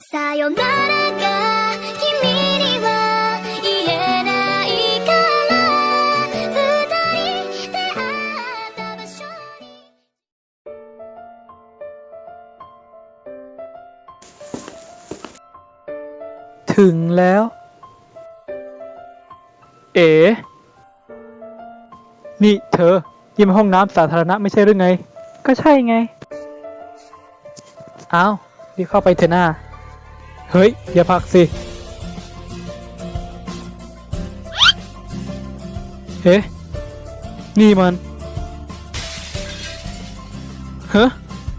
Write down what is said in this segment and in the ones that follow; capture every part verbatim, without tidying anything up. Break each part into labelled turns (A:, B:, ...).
A: さよならが君には言えないから二人出会った場所に
B: ถึงแล้ว เอ๋นี่เธอยิ่มห้องน้ำสาธารณะไม่ใช่หรือไง ก็ใช่ไง อ้าวรีบเข้าไปเถอะหน้า เฮ้ย อย่าผลักสิ เฮ้นี่มัน เฮ้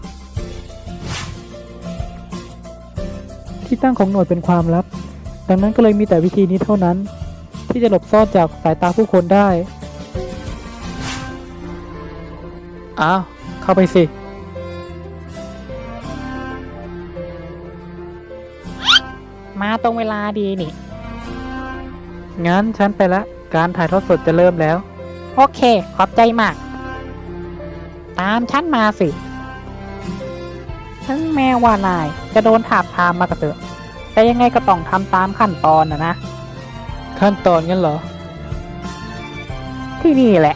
B: ที่ตั้งของหน่วยเป็นความลับ ดังนั้นก็เลยมีแต่วิธีนี้เท่านั้น ที่จะหลบซ่อนจากสายตาผู้คนได้ อ้าว เข้าไปสิ
C: มาตรงเวลาดีนี่
B: งั้นฉันไปละ การถ่ายทอดสดจะเริ่มแล้ว
C: โอเค ขอบใจมาก ตามฉันมาสิถึงแม้ว่านายจะโดนถาบทามมากระเตอะแต่ยังไงก็ต้องทำตามขั้นตอนนะนะ
B: ขั้นตอนงั้นเหรอ
C: ที่นี่แหละ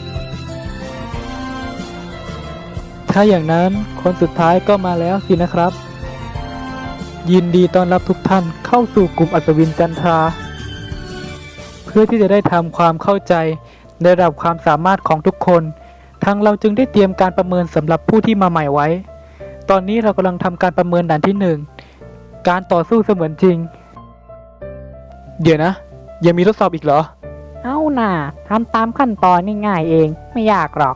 B: ถ้าอย่างนั้นคนสุดท้ายก็มาแล้วสินะครับ ยินดีต้อนรับทุกท่านเข้าสู่กลุ่มอัศวินจันทรา เพื่อที่จะได้ทำความเข้าใจในระดับความสามารถของทุกคนทางเราจึงได้เตรียมการประเมินสำหรับผู้ที่มาใหม่ไว้ ตอนนี้เรากำลังทำการประเมินด่านที่หนึ่งการต่อสู้เสมือนจริง เดี๋ยวนะยังมีทดสอบอีกเหรอ
C: เอาหน่าทำตามขั้นตอนง่ายๆเอง ไม่ยากหรอก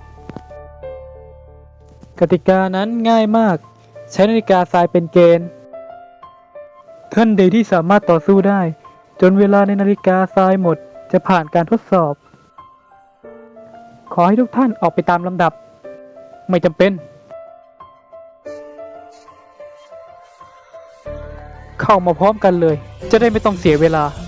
B: กติกานั้นง่ายมาก ใช้นาฬิกาทรายเป็นเกณฑ์ท่านใดที่สามารถต่อสู้ได้ จนเวลาในนาฬิกาทรายหมดจะผ่านการทดสอบ ขอให้ทุกท่านออกไปตามลำดับ ไม่จำเป็น เข้ามาพร้อมกันเลย จะได้ไม่ต้องเสียเวลา